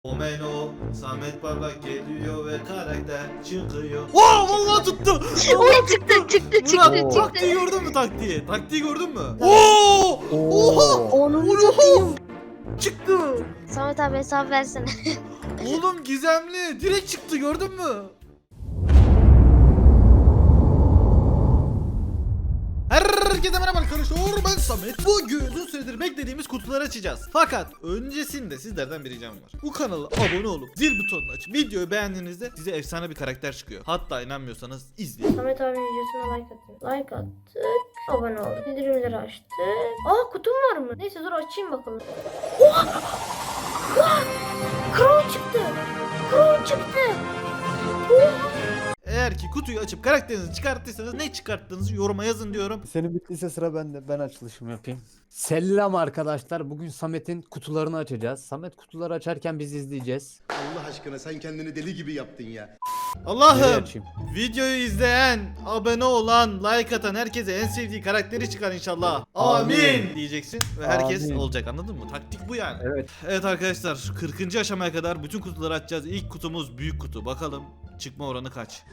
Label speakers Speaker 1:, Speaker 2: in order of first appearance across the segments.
Speaker 1: Omeno, Samet Parlak geliyor ve karakter çıkıyor. Wow, vallahi tuttu.
Speaker 2: Oy çıktı.
Speaker 1: Murat, taktiği gördün mü taktiği? Taktiği gördün mü? Oo! Oha!
Speaker 2: Onu
Speaker 1: Oha! Çıktı.
Speaker 2: Samet abi hesap versene.
Speaker 1: Oğlum gizemli. Direkt çıktı, gördün mü? Herkese merhaba arkadaşlar, ben Samet. Bugün uzun süredir beklediğimiz kutuları açacağız. Fakat öncesinde sizlerden bir ricam var. Bu kanala abone olup zil butonunu açıp videoyu beğendiğinizde size efsane bir karakter çıkıyor. Hatta inanmıyorsanız izleyin.
Speaker 3: Samet abinin videosuna like atın. Like attık. Abone olduk. Bildirimleri açtık. Aa kutum var mı? Neyse dur açayım bakalım. Oha! Oha! Crow çıktı. Crow çıktı. Oha!
Speaker 1: Eğer ki kutuyu açıp karakterinizi çıkarttıysanız ne çıkarttığınızı yoruma yazın diyorum.
Speaker 4: Senin bittiyse sıra bende. Ben açılışımı yapayım. Selam arkadaşlar. Bugün Samet'in kutularını açacağız. Samet kutuları açarken biz izleyeceğiz.
Speaker 5: Allah aşkına sen kendini deli gibi yaptın ya.
Speaker 4: Nereye
Speaker 1: Allah'ım,
Speaker 4: açayım?
Speaker 1: videoyu izleyen, abone olan, like atan herkese en sevdiği karakteri çıkar inşallah. Amin,
Speaker 4: Amin.
Speaker 1: diyeceksin ve herkes
Speaker 4: Amin.
Speaker 1: olacak, anladın mı? Taktik bu yani.
Speaker 4: Evet.
Speaker 1: Evet arkadaşlar, 40. aşamaya kadar bütün kutuları açacağız. İlk kutumuz büyük kutu. Bakalım çıkma oranı kaç?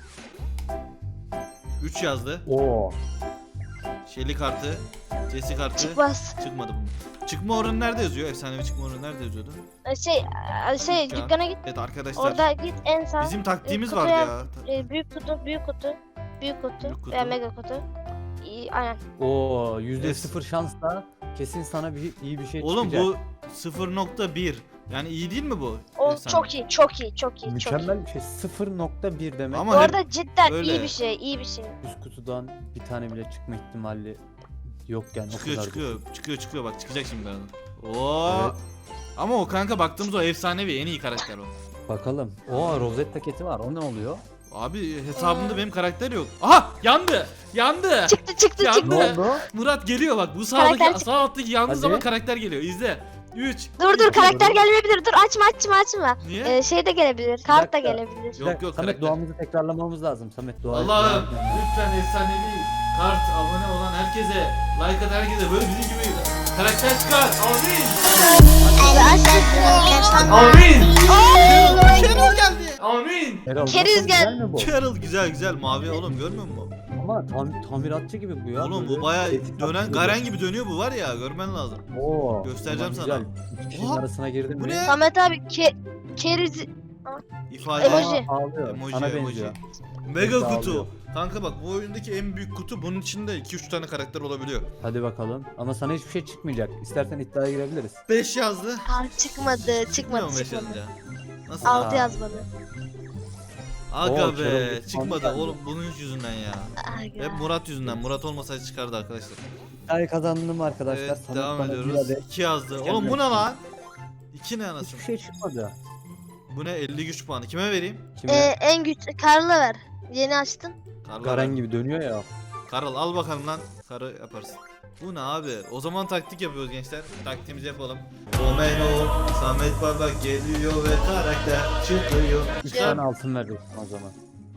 Speaker 1: 3 yazdı.
Speaker 4: Oo.
Speaker 1: Shelly kartı, Jesse kartı.
Speaker 2: Çıkmaz.
Speaker 1: Çıkmadı bu. Çıkma oranı nerede yazıyor? Efsanevi çıkma oranı nerede yazıyordu?
Speaker 2: Şey dükkana git.
Speaker 1: Evet arkadaşlar.
Speaker 2: Orada git en sağ.
Speaker 1: Bizim taktiğimiz
Speaker 2: kutuya-
Speaker 1: vardı ya.
Speaker 2: Büyük kutu. Büyük kutu.
Speaker 1: Büyük kutu.
Speaker 2: Veya mega kutu. Aynen.
Speaker 4: Oo. %0 şansla kesin sana iyi bir şey
Speaker 1: Oğlum
Speaker 4: çıkacak.
Speaker 1: bu 0.1. Yani iyi değil mi bu?
Speaker 2: O
Speaker 1: Efsane.
Speaker 2: çok iyi.
Speaker 4: Mükemmel bir şey. 0.1 demek.
Speaker 1: Ama
Speaker 2: Bu
Speaker 1: hep
Speaker 2: arada cidden
Speaker 1: öyle.
Speaker 2: iyi bir şey.
Speaker 4: Üst kutudan bir tane bile çıkma ihtimali yok yani. o kadar.
Speaker 1: çıkıyor bak, çıkacak şimdi bana. Oo.
Speaker 4: Evet.
Speaker 1: Ama o kanka baktığımız o efsanevi, en iyi karakter o.
Speaker 4: Bakalım. Oo, rozet paketi var. O ne oluyor?
Speaker 1: Abi hesabımda benim karakter yok. Aha, yandı.
Speaker 2: Çıktı.
Speaker 1: Yandı.
Speaker 4: Ne oldu?
Speaker 1: Murat geliyor bak, bu
Speaker 2: Karakter
Speaker 1: sağdaki
Speaker 2: çık-
Speaker 1: sağ alttaki yandığı
Speaker 4: Hadi.
Speaker 1: zaman karakter geliyor. İzle. 3.
Speaker 2: Dur karakter gelmeyebilir. Dur açma.
Speaker 1: Niye?
Speaker 2: Şey de gelebilir. Kart da
Speaker 4: dakika.
Speaker 2: gelebilir.
Speaker 4: Bir
Speaker 1: Yok,
Speaker 4: dakika,
Speaker 1: yok,
Speaker 4: Samet
Speaker 1: karakter.
Speaker 4: duamızı tekrarlamamız lazım. Samet dua.
Speaker 1: Allah'ım lütfen efsanevi kart, abone olan herkese, like atan herkese böyle bizim gibi karakter çıkar. Amin. Carol geldi. Amin.
Speaker 2: Keriz gel.
Speaker 4: Güzel mi bu?
Speaker 1: Carol güzel mavi oğlum, görmüyor musun?
Speaker 4: Ama tamiratçı gibi bu ya.
Speaker 1: Oğlum bu
Speaker 4: Böyle
Speaker 1: baya
Speaker 4: tetik
Speaker 1: dönen
Speaker 4: atıyor.
Speaker 1: Garen gibi dönüyor, bu var ya, görmen lazım.
Speaker 4: Oo.
Speaker 1: Göstereceğim
Speaker 4: tamam,
Speaker 1: sana.
Speaker 4: Güzel. İki kişinin
Speaker 1: Oha,
Speaker 4: arasına girdim
Speaker 1: bu
Speaker 4: mi?
Speaker 1: ne?
Speaker 2: Samet abi keriz.
Speaker 1: İfade.
Speaker 2: Emoji.
Speaker 4: Ağlıyor. Sana benziyor.
Speaker 1: Mega
Speaker 4: Sağ
Speaker 1: kutu.
Speaker 4: oluyor.
Speaker 1: Kanka bak, bu oyundaki en büyük kutu, bunun içinde 2-3 tane karakter olabiliyor.
Speaker 4: Hadi bakalım. Ama sana hiçbir şey çıkmayacak. İstersen iddiaya girebiliriz.
Speaker 1: 5 yazdı.
Speaker 2: Çıkmadı.
Speaker 1: Çıkmıyor mu 5 yazınca? Nasıl?
Speaker 2: 6
Speaker 4: Aa.
Speaker 2: yazmadı.
Speaker 1: Aga
Speaker 4: Oo,
Speaker 1: be,
Speaker 4: Carol
Speaker 1: çıkmadı
Speaker 4: geldi.
Speaker 1: oğlum, bunun yüzünden ya. Hep Murat yüzünden. Murat olmasaydı çıkardı arkadaşlar.
Speaker 4: İddiayı kazandım arkadaşlar.
Speaker 1: Evet,
Speaker 4: Samet
Speaker 1: devam
Speaker 4: bana
Speaker 1: ediyoruz.
Speaker 4: bir adet.
Speaker 1: 2 yazdı.
Speaker 4: Mükemmel.
Speaker 1: Oğlum bu ne lan? 2 ne anasını?
Speaker 4: Hiçbir şey çıkmadı.
Speaker 1: Bu ne, 50 güç puanı. Kime vereyim?
Speaker 4: Kime?
Speaker 2: En güç Karl'a ver. Yeni açtın.
Speaker 1: Karl.
Speaker 4: Garen gibi dönüyor ya.
Speaker 1: Karl al bakalım lan. Karı yaparsın. Bu ne abi? O zaman taktik yapıyoruz gençler. Taktiğimizi yapalım. Omeno, Samet Parlak geliyor ve karakter çıkıyor.
Speaker 4: 3 tane altın vereceksin o zaman.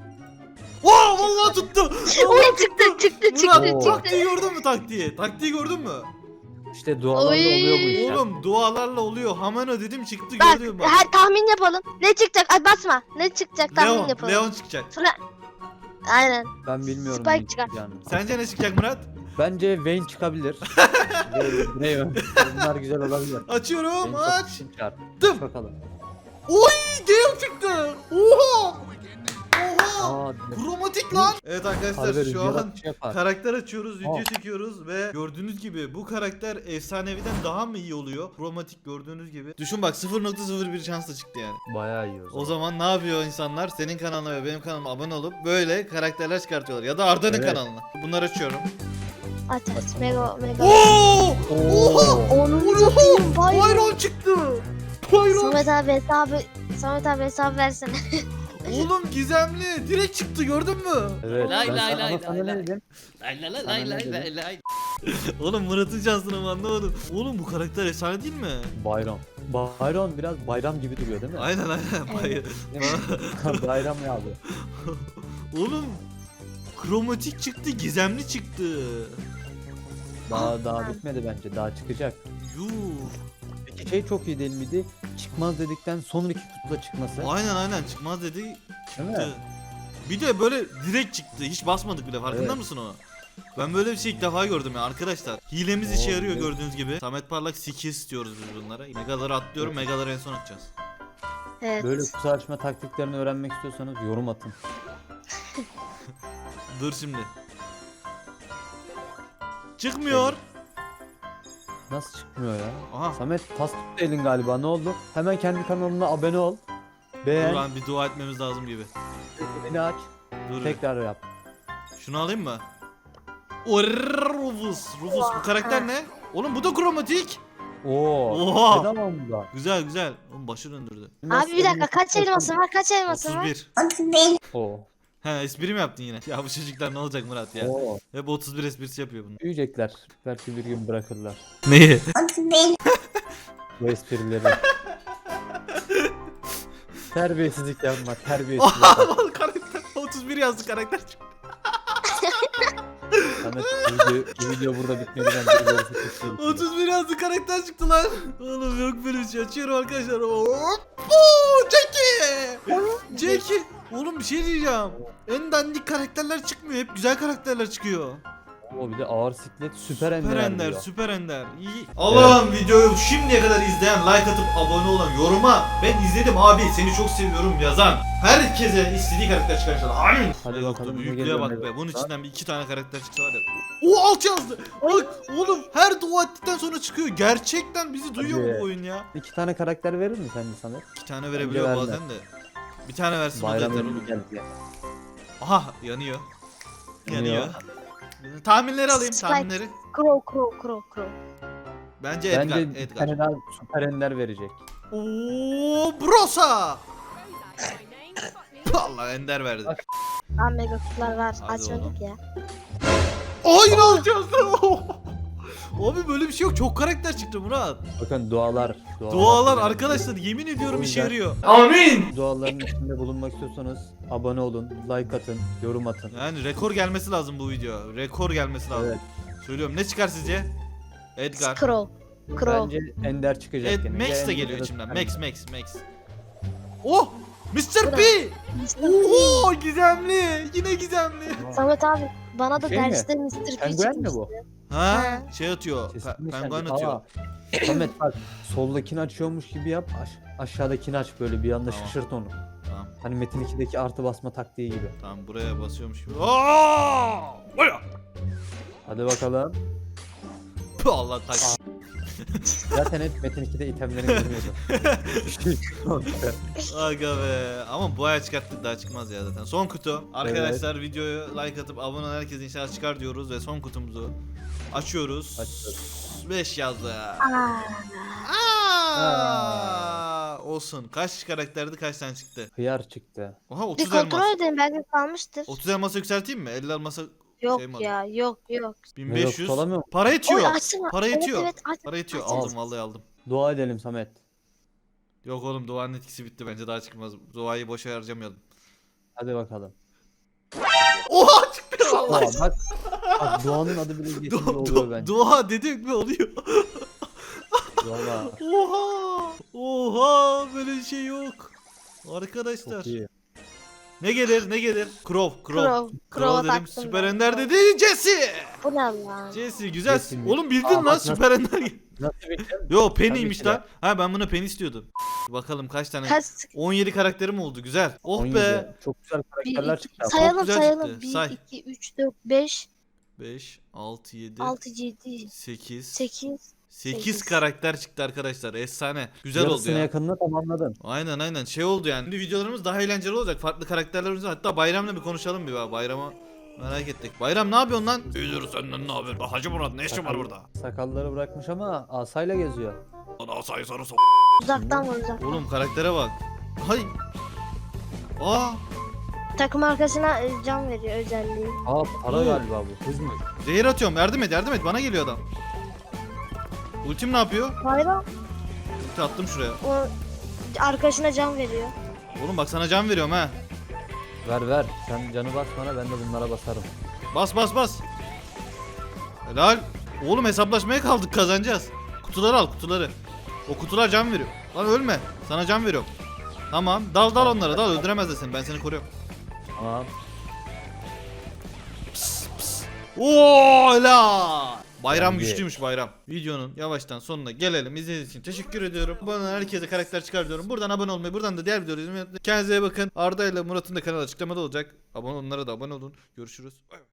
Speaker 1: Wow, vallahi tuttu.
Speaker 2: Oy çıktı.
Speaker 1: Murat, taktiği gördün mü taktiği? Taktiği gördün mü?
Speaker 4: İşte dualarla
Speaker 2: Oy.
Speaker 4: oluyor bu işler.
Speaker 1: Oğlum dualarla oluyor. Hameno dedim, çıktı,
Speaker 2: Bak,
Speaker 1: gördün mü?
Speaker 2: tahmin yapalım. Ne çıkacak? Ay basma. Ne çıkacak tahmin yapalım.
Speaker 1: Leon çıkacak.
Speaker 2: Aynen.
Speaker 4: Ben bilmiyorum.
Speaker 2: Spike
Speaker 4: ne
Speaker 2: çıkar.
Speaker 4: çıkacağını.
Speaker 1: Sence ne çıkacak Murat?
Speaker 4: Bence Vayne çıkabilir. ne bunlar güzel olabilir.
Speaker 1: Açıyorum,
Speaker 4: Vayne çok
Speaker 1: aç.
Speaker 4: çıkar.
Speaker 1: Dım.
Speaker 4: Aç bakalım.
Speaker 1: Oy, Gale çıktı. Oha. Oha.
Speaker 4: Aa,
Speaker 1: Kromatik lan. Evet arkadaşlar,
Speaker 4: harbi
Speaker 1: şu
Speaker 4: rüzgar
Speaker 1: an
Speaker 4: atışı yapar.
Speaker 1: karakter açıyoruz, video
Speaker 4: Aa.
Speaker 1: çekiyoruz ve gördüğünüz gibi bu karakter efsaneviden daha mı iyi oluyor? Kromatik gördüğünüz gibi. Düşün bak, 0.01 şansla çıktı yani.
Speaker 4: Bayağı iyi o zaman.
Speaker 1: O zaman ne yapıyor insanlar? Senin kanalına ve benim kanalıma abone olup böyle karakterler çıkartıyorlar. Ya da Arda'nın
Speaker 4: Evet.
Speaker 1: kanalına. Bunları açıyorum.
Speaker 2: Aç. Mega.
Speaker 1: Oo!
Speaker 4: Oo.
Speaker 2: Onu satayım.
Speaker 1: Byron çıktı. Byron.
Speaker 2: Samet abi hesap versene.
Speaker 1: Oğlum gizemli. Direkt çıktı, gördün mü?
Speaker 4: Evet.
Speaker 1: Lay
Speaker 4: ben
Speaker 1: lay
Speaker 4: sana,
Speaker 1: lay
Speaker 4: ama sana
Speaker 1: lay
Speaker 4: ne
Speaker 1: lay.
Speaker 4: dedim?
Speaker 1: Lay lay lay
Speaker 4: Sana
Speaker 1: lay
Speaker 4: ne
Speaker 1: lay
Speaker 4: dedim?
Speaker 1: lay lay. Oğlum Murat'ın şansını mı anlamadım. Oğlum bu karakter efsane değil mi?
Speaker 4: Bayram. Bayram biraz bayram gibi duruyor değil mi?
Speaker 1: Aynen. Hayır.
Speaker 4: Bayram ya abi.
Speaker 1: Oğlum kromatik çıktı, gizemli çıktı.
Speaker 4: Daha bitmedi bence. Daha çıkacak.
Speaker 1: Yuh.
Speaker 4: Peki şey çok iyi değil miydi? çıkmaz dedikten sonraki kutuda çıkması.
Speaker 1: Aynen çıkmaz dedi.
Speaker 4: Değil mi?
Speaker 1: Çıktı. Bir de böyle direkt çıktı. Hiç basmadık bile. Farkında
Speaker 4: Evet.
Speaker 1: mısın o? Ben böyle bir şey ilk defa gördüm ya arkadaşlar. Hilemiz işe
Speaker 4: Oo,
Speaker 1: yarıyor
Speaker 4: evet.
Speaker 1: gördüğünüz gibi. Samet Parlak skills istiyoruz biz bunlara. Megaları atlıyorum. Megaları en son atacağız.
Speaker 2: Evet.
Speaker 4: Böyle kutu açma taktiklerini öğrenmek istiyorsanız yorum atın.
Speaker 1: Dur şimdi. Çıkmıyor.
Speaker 4: Nasıl çıkmıyor ya?
Speaker 1: Aha.
Speaker 4: Samet tas tuttu elin galiba, ne oldu? Hemen kendi kanalına abone ol.
Speaker 1: Dur
Speaker 4: Beğen,
Speaker 1: lan bir dua etmemiz lazım gibi.
Speaker 4: beni aç,
Speaker 1: Dur.
Speaker 4: tekrar yap.
Speaker 1: Şunu alayım mı? O Rufus. Rufus bu karakter ne? Oğlum bu da kromatik.
Speaker 4: Oo.
Speaker 1: Oha.
Speaker 4: Neden var bunda?
Speaker 1: Güzel güzel. Oğlum başı döndürdü.
Speaker 2: Abi bir dakika kaç elmasın var? Kaç elmasın var?
Speaker 1: 31.
Speaker 4: Oo.
Speaker 1: He espri mi yaptın yine? Ya bu çocuklar ne olacak Murat ya?
Speaker 4: Oo.
Speaker 1: Hep 31 esprisi yapıyor bunlar.
Speaker 4: Büyüyecekler. Belki bir gün bırakırlar
Speaker 1: Neyi?
Speaker 4: bu esprileri. Terbiyesizlik yapma, terbiyesizlik yapma.
Speaker 1: Karakter 31 yazdı karakter.
Speaker 4: Samet, bu video burada bitmedi, bence ilerisi kesin.
Speaker 1: 31 yazdı karakter çıktı lan. Oğlum yok böyle bir şey. Açıyorum arkadaşlar. Hoppo! Jackie! Jackie! Oğlum bir şey diyeceğim. En dandik karakterler çıkmıyor. Hep güzel karakterler çıkıyor.
Speaker 4: O bir de ağır siklet süper ender.
Speaker 1: Süper ender,
Speaker 4: diyor.
Speaker 1: süper ender. İyi. Allah'ım videoyu şimdiye kadar izleyen, like atıp abone olan, yoruma ben izledim abi seni çok seviyorum yazan herkese istediği karakter çıkarmışlar. Amin.
Speaker 4: Hadi
Speaker 1: Ay,
Speaker 4: bakalım, ne
Speaker 1: büyüklüğe
Speaker 4: geliyor,
Speaker 1: bak
Speaker 4: ne
Speaker 1: be.
Speaker 4: geliyor.
Speaker 1: Bunun içinden bir iki tane karakter çıksa var ya. O alt yazdı. Bak oğlum her dua ettikten sonra çıkıyor. Gerçekten bizi duyuyor mu
Speaker 4: Hadi.
Speaker 1: bu oyun ya?
Speaker 4: 2 tane karakter verir mi sence Samet?
Speaker 1: İki tane verebiliyor
Speaker 4: verme.
Speaker 1: bazen de. Bir tane versin o da
Speaker 4: Bayram
Speaker 1: yeter
Speaker 4: önü
Speaker 1: oğlum.
Speaker 4: geldi.
Speaker 1: Aha yanıyor.
Speaker 4: Yanıyor.
Speaker 1: Yanıyor. Tahminleri alayım
Speaker 2: Spike.
Speaker 1: tahminleri.
Speaker 2: Crow.
Speaker 1: Bence Edgar.
Speaker 4: Bence bir
Speaker 1: Edgar.
Speaker 4: tane daha süper ender verecek.
Speaker 1: Oo Brosa. Allah ender verdi.
Speaker 4: Bak.
Speaker 2: Abi mega kutular var.
Speaker 1: Hadi
Speaker 2: Açmadık ya.
Speaker 1: Aynı alacağız. Abi böyle bir şey yok. Çok karakter çıktı Murat.
Speaker 4: Bakın dualar.
Speaker 1: Dualar arkadaşlar yemin ediyorum işe
Speaker 4: O
Speaker 1: yarıyor. Amin.
Speaker 4: Duaların içinde bulunmak istiyorsanız abone olun, like atın, yorum atın.
Speaker 1: Yani rekor gelmesi lazım bu video. Rekor gelmesi lazım.
Speaker 4: Evet.
Speaker 1: Söylüyorum ne çıkar sizce? Edgar.
Speaker 2: Crow.
Speaker 4: Bence ender çıkacak gene.
Speaker 1: Max
Speaker 4: Ya
Speaker 1: de
Speaker 4: Ender
Speaker 1: geliyor
Speaker 4: ya da
Speaker 1: içimden.
Speaker 4: süper
Speaker 1: Max. Oh! Mr.
Speaker 2: Bu
Speaker 1: P!
Speaker 2: da-
Speaker 1: Oo gizemli. Yine gizemli.
Speaker 4: Ender.
Speaker 2: Samet abi bana da
Speaker 4: Şey mi?
Speaker 2: derste Mr. P
Speaker 4: Penguen mi
Speaker 2: çıkmıştı.
Speaker 4: bu?
Speaker 1: Ha?
Speaker 2: Ha.
Speaker 1: Şey atıyor.
Speaker 4: Kesinlikle
Speaker 1: Penguen
Speaker 4: sen-
Speaker 1: atıyor.
Speaker 4: Aa, Samet bak, soldakini açıyormuş gibi yap. Aşağıdakini aç, böyle bir anda
Speaker 1: Tamam.
Speaker 4: şaşırt onu.
Speaker 1: Tamam.
Speaker 4: Hani Metin 2'deki artı basma taktiği gibi.
Speaker 1: Tamam buraya basıyormuş gibi. Aa! Buraya.
Speaker 4: Hadi bakalım.
Speaker 1: Puh, Allah tak.
Speaker 4: Zaten hep Metin 2'de itemlerin görünüyordu.
Speaker 1: Aga be. Ama bu ay çıkarttık daha çıkmaz ya zaten. Son kutu. Arkadaşlar videoyu like atıp abone olan herkes inşallah çıkar diyoruz ve son kutumuzu açıyoruz.
Speaker 4: Açıyoruz.
Speaker 1: 5 yazdı.
Speaker 2: Aa,
Speaker 1: Olsun. Kaç karakterdi kaç tane çıktı?
Speaker 4: Hıyar çıktı.
Speaker 1: Oha
Speaker 2: bir
Speaker 1: 30 elmas.
Speaker 2: kontrol edin belki kalmıştır.
Speaker 1: 30 elması yükselteyim mi? 50 elmasa
Speaker 2: Yok
Speaker 1: şey mi alayım?
Speaker 2: ya yok.
Speaker 1: 1500.
Speaker 4: Olamıyor mu?
Speaker 1: Para yetiyor.
Speaker 2: Oy açsana.
Speaker 1: Para yetiyor.
Speaker 2: Evet aç.
Speaker 1: Para yetiyor.
Speaker 2: aç.
Speaker 1: Aldım vallahi aldım.
Speaker 4: Dua edelim Samet.
Speaker 1: Yok oğlum Doğan'ın etkisi bitti bence daha çıkmaz. Doğayı boşa harcamayalım.
Speaker 4: Hadi bakalım.
Speaker 1: Oha çıktı vallahi.
Speaker 4: Doğa bak. Bak Doğan'ın adı bile geçince oluyor bence.
Speaker 1: Doğa dedik mi oluyor?
Speaker 4: Valla
Speaker 1: Oha! Oha! Böyle bir şey yok. Arkadaşlar.
Speaker 4: çok iyi.
Speaker 1: Ne gelir? Ne gelir? Crow
Speaker 2: Crow'a
Speaker 1: dedim.
Speaker 2: taktım
Speaker 1: Süper
Speaker 2: ben.
Speaker 1: Ender dedi. Jesse!
Speaker 2: Bu ne lan?
Speaker 1: Jesse güzel.
Speaker 4: Jesse mi?
Speaker 1: Oğlum bildin
Speaker 4: Aa,
Speaker 1: lan
Speaker 4: bak
Speaker 1: Süper Ender.
Speaker 4: Nasıl bildin?
Speaker 1: Yo Penny'ymiş
Speaker 4: Tabii ki
Speaker 1: lan. Ha ben buna Penny istiyordum. Bakalım kaç tane?
Speaker 2: Kaç?
Speaker 1: 17 karakterim oldu. Güzel. Oh
Speaker 4: 17.
Speaker 1: be.
Speaker 4: Çok güzel karakterler çıktı. ama.
Speaker 2: Sayalım
Speaker 1: güzel
Speaker 2: sayalım.
Speaker 1: çıktı.
Speaker 2: 1,
Speaker 1: Say.
Speaker 2: 2, 3, 4, 5,
Speaker 1: 5, 6, 7,
Speaker 2: 6, 7,
Speaker 1: 8,
Speaker 2: 8.
Speaker 1: 8 karakter çıktı arkadaşlar. Efsane. Güzel oldu
Speaker 4: Yarısını
Speaker 1: ya.
Speaker 4: yakınına tamamladın.
Speaker 1: Aynen şey oldu yani. Şimdi videolarımız daha eğlenceli olacak. Farklı karakterlerimiz var. Hatta Bayram'la bir konuşalım bir bak. Bayram'a merak ettik. Bayram ne yapıyorsun lan? İyidir senden ne haber? Hacı Murat ne işin var burada?
Speaker 4: Sakalları bırakmış ama asayla geziyor.
Speaker 1: Lan asayı sarı sok.
Speaker 2: Uzaktan vur uzaktan.
Speaker 1: Oğlum karaktere bak. Hay. Aa.
Speaker 2: Takım arkasına can veriyor özelliği.
Speaker 4: Aa para
Speaker 1: Oo.
Speaker 4: galiba bu. Hız mı?
Speaker 1: Zehir atıyorum. Yardım et. Bana geliyor adam. Ultim ne yapıyor?
Speaker 2: Bayram
Speaker 1: Ulti attım şuraya.
Speaker 2: o arkadaşına can veriyor.
Speaker 1: Oğlum bak sana can veriyorum ha.
Speaker 4: Ver. Sen canı bas bana, ben de bunlara basarım.
Speaker 1: Bas. Helal. Oğlum hesaplaşmaya kaldık kazanacağız. Kutuları al kutuları. O kutular can veriyor. Lan ölme. Sana can veriyorum. Tamam. Dal onlara dal. Öldüremezler seni. Ben seni koruyorum.
Speaker 4: Tamam.
Speaker 1: Oo la. Bayram
Speaker 4: Bence-
Speaker 1: güçlüymüş bayram. Videonun yavaştan sonuna gelelim. İzlediğiniz için teşekkür ediyorum. Bana herkese karakter çıkar diyorum. Buradan abone olmayı, buradan da diğer videoları izlemeyi unutmayın. Kendinize iyi bakın. Arda ile Murat'ın da kanalı açıklamada olacak. Onlara da abone olun. Görüşürüz.